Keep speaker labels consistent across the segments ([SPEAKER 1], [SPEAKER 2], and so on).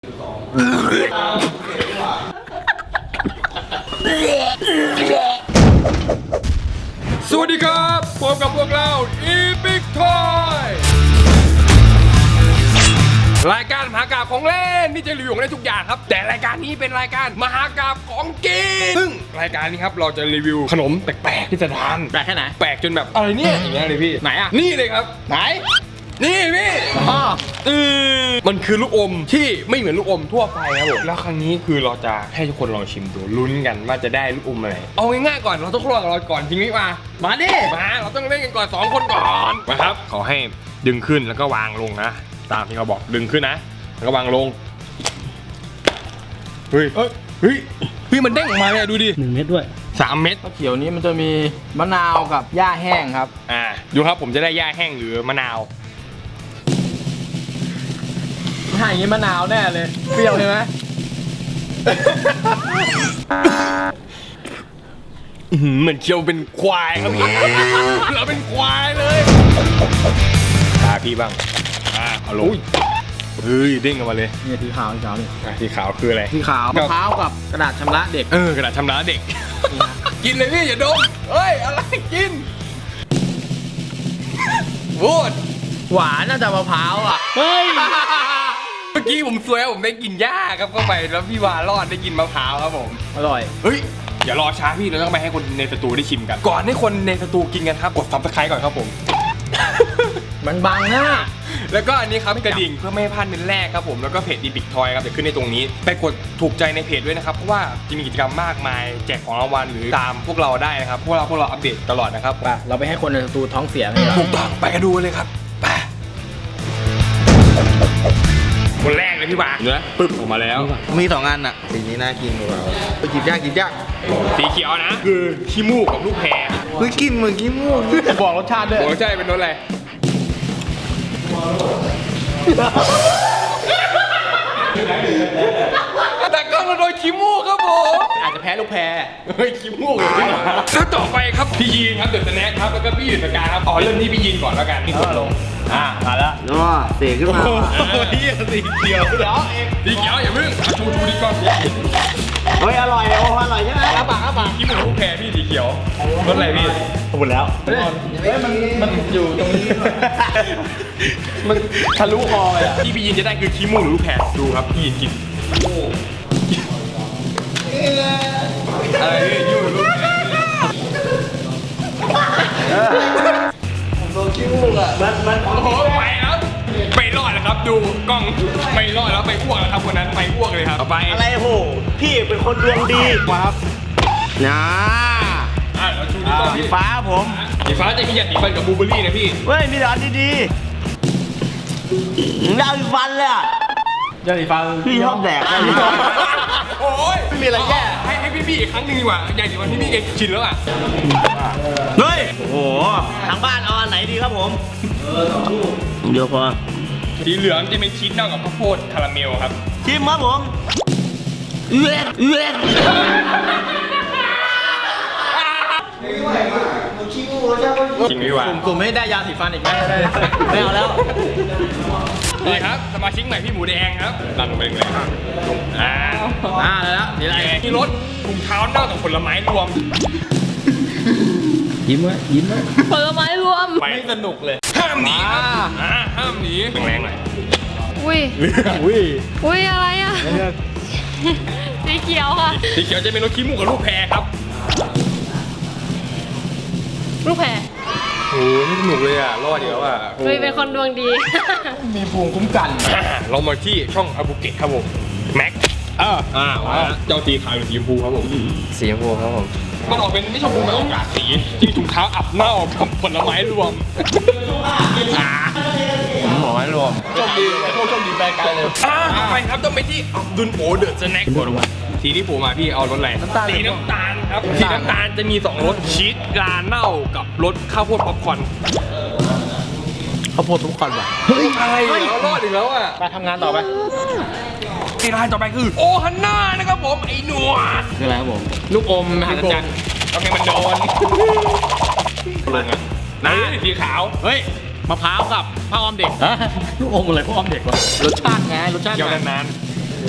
[SPEAKER 1] สวัสดีครับพบกับพวกเรา Epic Toy รายการมหากาพย์ของเล่นที่จะรีวิวของเล่นทุกอย่างครับแต่รายการนี้เป็นรายการมหากาพย์ของกินซึ่งรายการนี้ครับเราจะรีวิวขนมแปลกๆพิสดาร
[SPEAKER 2] แปลกแค่ไหน
[SPEAKER 1] แปลกจนแบบอะไรเนี่ยอย่างเงี้ยเลยพี่
[SPEAKER 2] ไหนอ่ะ
[SPEAKER 1] นี่เลยครับ
[SPEAKER 2] ไหน
[SPEAKER 1] นี่พี่มันคือลูกอมที่ไม่เหมือนลูกอมทั่วไปครับผมแล้วครั้งนี้คือเราจะให้ทุกคนลองชิมดูลุ้นกันว่าจะได้ลูกอมอะไรเอาง่ายๆก่อนเราต้องคลอดกับเราก่อนจริงไหมมาดิมาเราต้องเล่นกันก่อน2คนก่อนมาครับขอให้ดึงขึ้นแล้วก็วางลงนะตามที่เขาบอกดึงขึ้นนะแล้วก็วางลงเฮ้ยมันเด้งออกมาเลยดูดิ
[SPEAKER 2] 1 เม็ดด้วย
[SPEAKER 1] 3 เม็ด
[SPEAKER 2] เขียวนี้มันจะมีมะนาวกับหญ้าแห้งครับ
[SPEAKER 1] ดูครับผมจะได้หญ้าแห้งหรือมะนาว
[SPEAKER 2] ถ้าอย่างนี้มะนาวแน่เลยเปรี้ยวใช่ไหม
[SPEAKER 1] เหมือนเคี้ยวเป็นควายครับเราเป็นควายเลยตาพี่บ้างเอาลงเฮ้ยเด้งออกมาเลย
[SPEAKER 2] นี่สีขาวนี่
[SPEAKER 1] สีขาวคืออะไร
[SPEAKER 2] สีขาวมะพร้าวกับกระดาษชำระเด็ก
[SPEAKER 1] กระดาษชำระเด็กกินเลยพี่อย่าดมเฮ้ยอะไรกินพูด
[SPEAKER 2] หวานน่าจะมะพร้าวอ่ะ
[SPEAKER 1] เฮ้ยเมื่อกี้ผมซวยผมได้กินหญ้าครับเข้าไปแล้วพี่วารอดได้กินมะพร้าวครับผม
[SPEAKER 2] อร่อย
[SPEAKER 1] เฮ้ยอย่ารอช้าพี่เราต้องไปให้คนในสตูได้ชิมกันก่อนให้คนในสตูกินกันครับกด Subscribe ก่อนครับผม
[SPEAKER 2] มันบังหน้า
[SPEAKER 1] แล้วก็อันนี้ครับกระดิ่งเพื่อไม่ให้พลาดเมนแรกครับผมแล้วก็เพจ Epic Toy ครับจะขึ้นในตรงนี้ไปกดถูกใจในเพจด้วยนะครับเพราะว่าจะมีกิจกรรมมากมายแจกของรางวัลหรือตามพวกเราได้นะครับพวกเราอัปเดตตลอดนะครับ
[SPEAKER 2] เราไปให้คนในสตูท้องเสียเลย
[SPEAKER 1] ถูกต้องไปกันดูเลยครับไปคนแรกเลยพี่บ่าเนื้อปึ๊บออกมาแล้ว
[SPEAKER 2] มี2 อันอ่ะสีนี้น่ากินกว่าไปหยิบยาก
[SPEAKER 1] สีเขียวนะคือขี้มูกกับลูกแพร
[SPEAKER 2] กินเหมือนขี้มูกบอกรสชาติด้วย
[SPEAKER 1] บอกรสชาติเป็นรสอะไรแต่ก็เราโดนขี้มูกครับผม
[SPEAKER 2] อาจจะแพ้ลูกแพร
[SPEAKER 1] ขี้มูกเลยแล้วต่อไปครับพี่ยีนครับเดอะสแน็คครับแล้วก็พี่หยุดประกาครับเริ่มที่พี่ยีนก่อนแล้วกัน
[SPEAKER 2] นี่กดลงมาแล้วเสียขึ้นมา
[SPEAKER 1] สีเขียวสีเขียวอย่าเพิ่งชูดีก่อน
[SPEAKER 2] เฮ้ยอร่อยโอ้อร่อยใช่ไหม
[SPEAKER 1] อ้าปากขี้มูกลูกแพรพี่สีเขียวรสอะไรพี่
[SPEAKER 2] หมดแล้วเฮ้ยมันอยู่ตรงนี้มันทะลุคอเลยอ่ะ
[SPEAKER 1] ที่พี่ยินจะได้คือขี้มูกหรือลูกแพรดูครับพี่ยินกินอะไรพี่ยิ้มหรือลูกแพร
[SPEAKER 2] ผมโดนขี้มูกอ่ะมัน
[SPEAKER 1] โอ้โหไปแล้วไปรอดแล้วครับดูกล้องไม่รอดแล้วไปอ้วกแล้วครับคนนั้นไปอ้วกเลยครับไป
[SPEAKER 2] อะไรโหพี่เป็นคนดวงดีครับนะ
[SPEAKER 1] แล้วชูดีกว่า
[SPEAKER 2] สีฟ้าผม
[SPEAKER 1] สีฟ้าจะมียาสีฟันกับบูเบอรี่นะพี่
[SPEAKER 2] เฮ้ยมีแต่อันดีๆยาสีฟันเลยอ่ะยาสีฟันพี่ชอบแดก
[SPEAKER 1] โอ้ย
[SPEAKER 2] ไม่มีอะไรแย่
[SPEAKER 1] ให้พี่อีกครั้งหนึ่งดีกว่ายาสีฟันพี่เองชินแล้วอ่ะ
[SPEAKER 2] เฮ้ยโอ้โหทางบ้านเอาอันไหนดีครับผมเดี๋ยวพอ
[SPEAKER 1] สีเหลืองจะเป็นชีสเน่ากับข้าวโพดคาราเมลครับ
[SPEAKER 2] ชิมครับผม
[SPEAKER 1] จริงไหมวะ
[SPEAKER 2] ผมไม่ได้ยาสีฟันอีกไหมไม่เอาแล้ว
[SPEAKER 1] นี่ครับสมาชิกใหม่พี่หมูแดงครับดันลงไปเลยครับ
[SPEAKER 2] แล้วนี่อะไร
[SPEAKER 1] มีรถถุงเท้าเน่ากับผลไม้รวม
[SPEAKER 2] ยิ้มไว้
[SPEAKER 3] ผลไม้รวม
[SPEAKER 2] ไม่สนุกเลย
[SPEAKER 1] ห้ามหนีห้ามหนีแรงหน่อย
[SPEAKER 3] อุ้ยอะไรอ่ะสีเขียวค่ะ
[SPEAKER 1] สีเขียวจะเป็นรถขี้มูกกับลูกแพรครับ
[SPEAKER 3] ลูกแพร
[SPEAKER 1] โอ้ไม่สนุกเลยอ่ะรอดเดี๋ยวอ่ะ
[SPEAKER 3] เป็นคนดวงดี
[SPEAKER 2] มีภูมิคุ้มกัน
[SPEAKER 1] เรามาที่ช่องอาบุเกะครับผมแม็กเจ้าสีขาวหรือสีชมพูครับผม
[SPEAKER 2] สีชมพูครับผม
[SPEAKER 1] มันออกเป็นไม่ชมพูมันออกจากสีที่ถุงเท้าอับเน่ากับผลไม้รวม
[SPEAKER 2] ผลไม้รวม
[SPEAKER 1] โชคดีแปลกเลยไปครับต้องไปที่ดุนโอเดอะสแน็คก่อนว่าสีที่ผมมาพี่เอารสอะไรสีน้ำตาลครับสีน้ำตาลจะมี2รสชีสลาเน่ากับรสข้าวโพดป๊อปคอร์น
[SPEAKER 2] ข้าวโพดป๊อปคอร์นว่ะ
[SPEAKER 1] เฮ้ยอะไรเรารอดอีกแล้วอ่ะ
[SPEAKER 2] ไปทำงานต่อไป
[SPEAKER 1] ที่ร้านต่อไปคือโอฮันน่านะครับผมไอ้หนวด
[SPEAKER 2] คืออะไรครับผม
[SPEAKER 1] ลูกอมมหัศจรรย์โอเคมันโดนลงอ่ะนะสีขาว
[SPEAKER 2] เฮ้ยมะพร้าวกับผ้าอ้อมเด็กลูกอมอะไรผ้าอ้อมเด็กวะรสชาติไงรสชาติ
[SPEAKER 1] ยาวนาน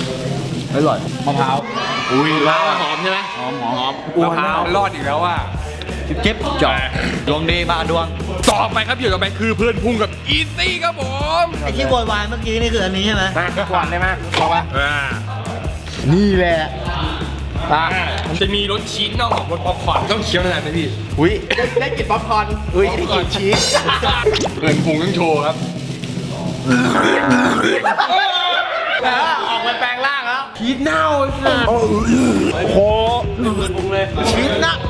[SPEAKER 2] อร่อยมะพร้าวอุ้ยมะพร้าวหอมใช่ไหมหอม
[SPEAKER 1] มะพร้าวรอดอีกแล้วว่า
[SPEAKER 2] เจ็บจ่อดวงดีบ้าดวง
[SPEAKER 1] ต่อไปครับอยู่ต่อไปคือเพื่อนพุ่งกับอีซี่ครับผม
[SPEAKER 4] ไอ้ที่โวยวายเมื่อกี้นี่คืออันนี้ใช่ไหม
[SPEAKER 1] มาก่อนได้ไหมบอกว่า
[SPEAKER 4] นี่แหละ
[SPEAKER 1] มันจะมีรสชีสนอกของรสป๊อปคอร์นต้องเคี้ยวนานไหมพี่
[SPEAKER 4] อุ้ยได้กินป๊อปคอร์นอุ้ยได้กินชีส
[SPEAKER 1] เพื่อนพุ่งต้องโชว์ครับ
[SPEAKER 2] ออกมาแปลงร่างแล้ว
[SPEAKER 1] ชีสเน่าโอ้โหชีสเน่า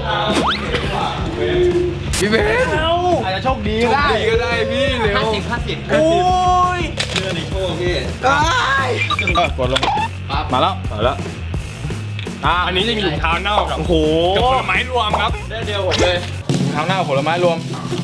[SPEAKER 1] พี่เบส
[SPEAKER 2] อาจจะโชคดี
[SPEAKER 1] โชค
[SPEAKER 2] ได้
[SPEAKER 1] ดีก็ได้พี่เร็ว
[SPEAKER 2] 50โอ้ยเชื่อในโชคพี่กดลงมาแล้ว
[SPEAKER 1] อันนี้จะมีถุงเท้าเน่ากับ
[SPEAKER 2] โอ้โห
[SPEAKER 1] กับผลไม้รวมครับ
[SPEAKER 2] ได้เดียวผมเลยทำหน้าผลไม้รวม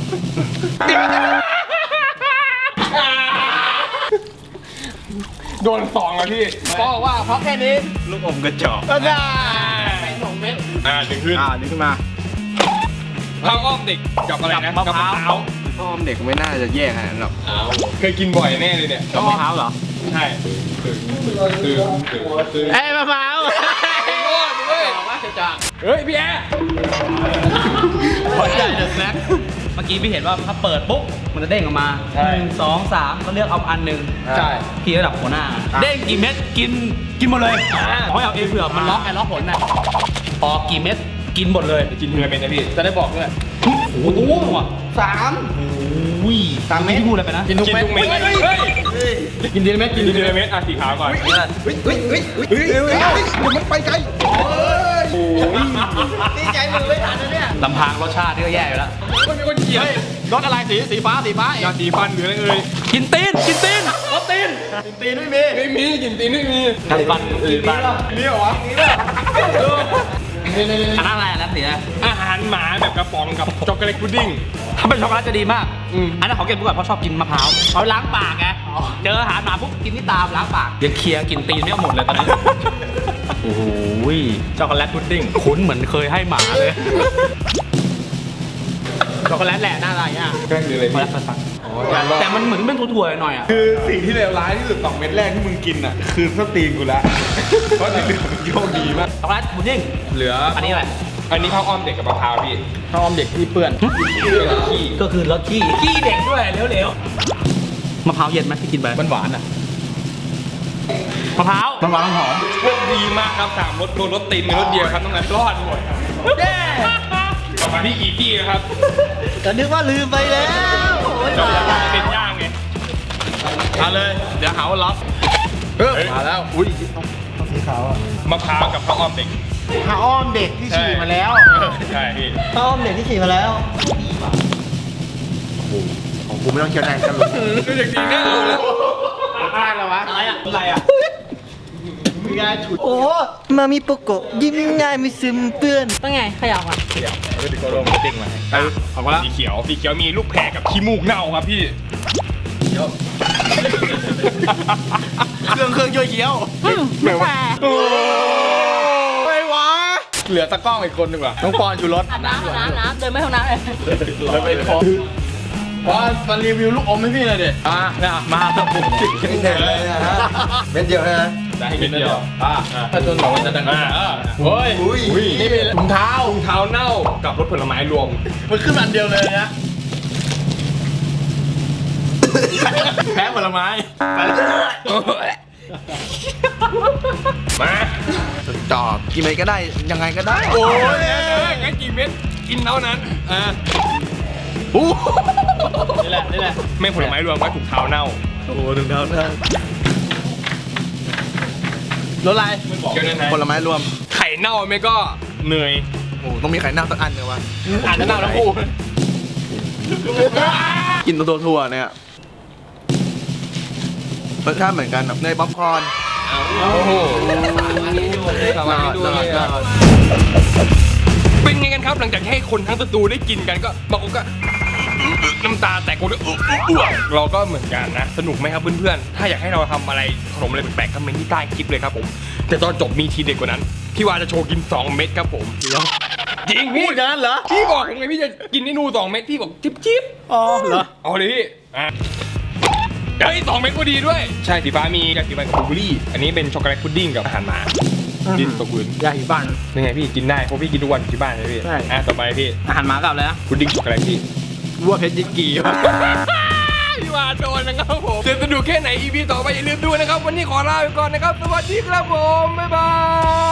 [SPEAKER 1] โดน2แล้วพี่
[SPEAKER 2] บอกว่าเพราะแค่นี้ลูกอมกระจอก
[SPEAKER 1] ก็ได้ดึงขึ้น
[SPEAKER 2] นี่ขึ้นมา
[SPEAKER 1] ข้าวอ้อมเด็กกับอะไรนะ
[SPEAKER 2] กับมะพร้าว
[SPEAKER 4] พ่อมเด็กไม่น่าจะแย่ขนาดนั้นหรอก
[SPEAKER 1] เคยกินบ่อยแน่เลยเนี่ย
[SPEAKER 2] กับมะพร้าวเหรอ
[SPEAKER 1] ใช่คือ
[SPEAKER 2] เอ้ยมะพร้าว
[SPEAKER 1] บอกว่าจะจังเฮ้ยพี่แอร์
[SPEAKER 2] ขอใหญ่เดอะสแน็คเมื่อกี้พี่เห็นว่าถ้าเปิดปุ๊บมันจะเด้งออกมา1 2 3ก็เลือกเอาอันหนึ่ง
[SPEAKER 1] ใช่
[SPEAKER 2] พี่ระดับหัวหน้า เด้งกี่เม็ดกินหมดเลยขอให้เอาเองเผื่อมันล็อกล็อกผลน่ะพอกี่เม็ดกินหมดเลย
[SPEAKER 1] กินเนื้อเป็นนะพี่
[SPEAKER 2] จะได้บอกด้วยโอ้โหว่ะอุ้ย3 เม็ดที่พูดอะไรไปนะ
[SPEAKER 1] กินทุกเม็ดเฮ้ย
[SPEAKER 2] กินทีละเม็ด
[SPEAKER 1] กินทีละเม็ดอ่ะสีขาวก่อน
[SPEAKER 4] มันไปไกล
[SPEAKER 1] โอ้ย
[SPEAKER 4] ดีใจมือไม่ทันนะเนี่ย
[SPEAKER 2] ลำพังรสชาติก็แย่อยู่แล้ว
[SPEAKER 1] มันมีคนเกลียด
[SPEAKER 2] รสอะไรสีฟ้าย
[SPEAKER 1] าสีฟันหรืออะไรเอ่ย
[SPEAKER 2] กินตีนรสตีน
[SPEAKER 4] ตีนไม่มี
[SPEAKER 1] ไม่มีกลินตีนไม่มี
[SPEAKER 2] ทำฟัน
[SPEAKER 1] นี่เหรอวะ
[SPEAKER 2] อันนั้นอะไรอันนั้นสีอะไร
[SPEAKER 1] อาหารหมาแบบกระป๋องกับช็อกโกแลตพุดดิ้ง
[SPEAKER 2] ถ้าเป็นช็อกโกแลตจะดีมาก
[SPEAKER 1] อืม
[SPEAKER 2] อันนั้นขอเก็บไว้ก่อนเพราะชอบกินมะพร้าวเอาล้างปากไงเจออาหารหมาปุ๊บกินที่ตามล้างปากยังเคลียร์กินตีนไม่เอาหมดเลยตอนนี้โอ้โหช็อกโกแลตพุดดิ้งคุ้นเหมือนเคยให้หมาเลยช็อกโกแลตแหละหน้าอะไรอ่ะ
[SPEAKER 1] แกล้งหรืออะไร
[SPEAKER 2] ช็อกโก
[SPEAKER 1] พี่
[SPEAKER 2] แลตฟันแต่มันเหมือนเป็นถั่วๆหน่อยอ่ะ
[SPEAKER 5] คือสิ่งที่เลวร้ายที่สุด2 เม็ดแรกที่มึงกินอ่ะ คือสตีนกูละเพราะที่เหลือมันโชคดีมาก
[SPEAKER 2] ช็อกโกแลตพุดดิ้ง
[SPEAKER 1] เหลือ
[SPEAKER 2] อันนี้อะไร
[SPEAKER 1] อันนี้ข้าวอ้อมเด็กกับมะพร้าวพี่
[SPEAKER 2] ข้าวอมเด็กที่เปื้อน
[SPEAKER 1] ขี้
[SPEAKER 2] ก็คือรสขี้เด็กด้วยเร็วๆมะพร้าวเย็นไหมที่กินไปมันหวานอ่ะมะพร้าวมันหวานหอม
[SPEAKER 1] โชคดีมากครับ3รสโดนรสตีนในรสเดียวครับต้องนั้นรอดหมดต่อมาที่อีกี้นะครับ
[SPEAKER 4] ก็นึกว่าลืมไปแล้ว
[SPEAKER 1] จะเป็นย่างไง
[SPEAKER 2] เอาเลยเดี๋ยวหาว่าล็อก
[SPEAKER 1] มาแล้วอุ้ย
[SPEAKER 4] สีขาวอ่ะ
[SPEAKER 1] มะพร้าวกับข้าวอ้อมเด็ก
[SPEAKER 4] ผ้าอ้อมเด็กที่ฉี่มาแล้ว
[SPEAKER 1] ใช่พี่
[SPEAKER 4] ผ้าอ้อมเด็กที่ฉี่มาแล้วของกูไม่ต้องเคี้ยวนานกันหรอก
[SPEAKER 1] ดูอย่างดีแน่เลย
[SPEAKER 2] อะไรวะอะไรอ่ะ
[SPEAKER 4] โอ้มามีโปโกะยิ้มง่ายไม่ซึมเปื้อน
[SPEAKER 3] ต้องไงขยับอ่ะ
[SPEAKER 1] แล้วก็ดึงตัวลงมาติ้งมาให้ออกมาแล้วสีเขียวมีลูกแพรกับขี้มูกเน่าครับพี่
[SPEAKER 2] เครื่องช่วยเคี้ยว
[SPEAKER 3] ไม่แฟ
[SPEAKER 2] ไม่วะเหลือตะกล้องอีกคนดีกว่าน้องปอนอยู่รถ
[SPEAKER 3] อาบน้ำเดินไม่ห้องน้ำเลย
[SPEAKER 2] แล้วไปพอมารีวิวลูกอมให้พี่หน่อยดิเนี่ยมาครับผม
[SPEAKER 4] ไม่แน่เลยนะฮะเม็ดเดียวนะ
[SPEAKER 1] ได้ให้นิดเดียว
[SPEAKER 2] ถ้าจนบอกว่าจะดังเฮ้ย
[SPEAKER 4] อุ้ย
[SPEAKER 2] นี่เป็นถุงเท้า
[SPEAKER 1] ถุงเท้าเน่ากับรสผลไม้รวม
[SPEAKER 2] มันขึ้นอันเดียวเลยนะแพ้ผลไม้ไปแล้ว
[SPEAKER 1] มา
[SPEAKER 4] จอบกินอะไรก็ได้ยังไงก็ได้
[SPEAKER 1] โอ้ยงั้นกี่เม็ดกินเท่านั้น
[SPEAKER 2] นี่แหละ
[SPEAKER 1] ไม่ผลไม้รวมก็ถุงเท้าเน่า
[SPEAKER 4] โอ้ถึงเท้าได้
[SPEAKER 2] รสอะไร
[SPEAKER 1] เกี่ยวนั้น
[SPEAKER 4] ผลไม้รวม
[SPEAKER 1] ไข่เน่าไม่ก็เนย
[SPEAKER 4] โอ้ต้องมีไข่เน่าสักอันเลยวะ
[SPEAKER 2] อ่านจะเน่าทั้งคู่
[SPEAKER 4] กินตัวทั่วเนี่ยรสชาติเหมือนกันแบบเนยป๊อปคอร์น
[SPEAKER 1] โอ้โหเป็นไงกันครับหลังจากให้คนทั้งสตูได้กินกันก็บางคนก็น้ำตาแตกคนก็เราก็เหมือนกันนะสนุกไหมครับเพื่อนๆถ้าอยากให้เราทำอะไรขนมอะไรแปลกๆคอมเมนต์ที่ใต้คลิปเลยครับผมแต่ตอนจบมีทีเด็ดกว่านั้นพี่วาจะโชว์กิน2 เม็ดครับผมจริงพี่
[SPEAKER 2] พูดงั้นเหรอ
[SPEAKER 1] พี่บอกยังไงพี่จะกินให้นู2 เม็ดพี่บอกจิ๊บ
[SPEAKER 2] อ๋อเหรอ
[SPEAKER 1] เอาเลยพี่เฮ้ย2 เม็ดก็ดีด้วย ใช่สีฟ้ามียาสีฟันกับบลูเบอร์รี่อันนี้เป็นช็อกโกแลตพุดดิ้งกับอาหารหมาดินตกพื้น
[SPEAKER 2] ยาสีฟัน
[SPEAKER 1] ยังไงพี่กินได้เพราะพี่กินทุกวันอยู่ที่บ้านใช่ไหมพี่
[SPEAKER 2] ใช่
[SPEAKER 1] ต่อไปพี่
[SPEAKER 2] อาหารหมากับอะไรนะ
[SPEAKER 1] พุดดิ้งช็อกโกแลตพี่
[SPEAKER 2] วัวเพชรยิกี
[SPEAKER 1] พี่วาโดนนะครับผมจะสนุกแค่ไหน EP ต่อไปอย่าลืมดูนะครับวันนี้ขอลาไปก่อนนะครับสวัสดีครับผมบ๊ายบาย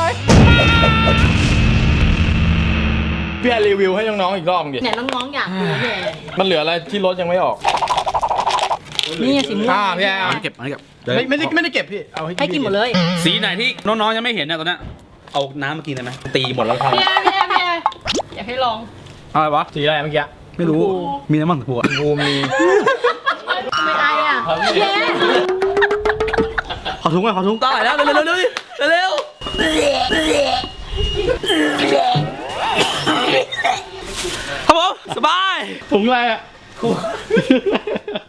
[SPEAKER 5] พี่แอนรีวิวให้น้องๆอีกรอบดิ
[SPEAKER 3] เนี่ยน้องๆอยากรู้เลย
[SPEAKER 5] มันเหลืออะไรที่รถยังไม่ออก
[SPEAKER 3] นี่ไงสีม่วง
[SPEAKER 5] พี่แอน
[SPEAKER 2] เก็บเก็บ
[SPEAKER 5] ไม่ได้เก็บพี่เอาให้
[SPEAKER 3] ให้กินหมดเลย
[SPEAKER 2] สีไหนที่น้องๆยังไม่เห็นเนี่ยตอนนี้เอาน้ำมากินได้ไหมตีหมดแล้วครับ
[SPEAKER 3] พี่อยากให้ลอง
[SPEAKER 2] อะไรวะ
[SPEAKER 5] สีอะไรเมื่อกี้
[SPEAKER 2] ไม่รู้มีน้ำมันถั่ว
[SPEAKER 5] บูมี
[SPEAKER 3] ไม่อายอ่ะเย้
[SPEAKER 2] ขอถุงก่อนขอถุงตายแล้วเร็วเร็วเร็วเร็วครับผมสบายถุงอะไรอ่ะ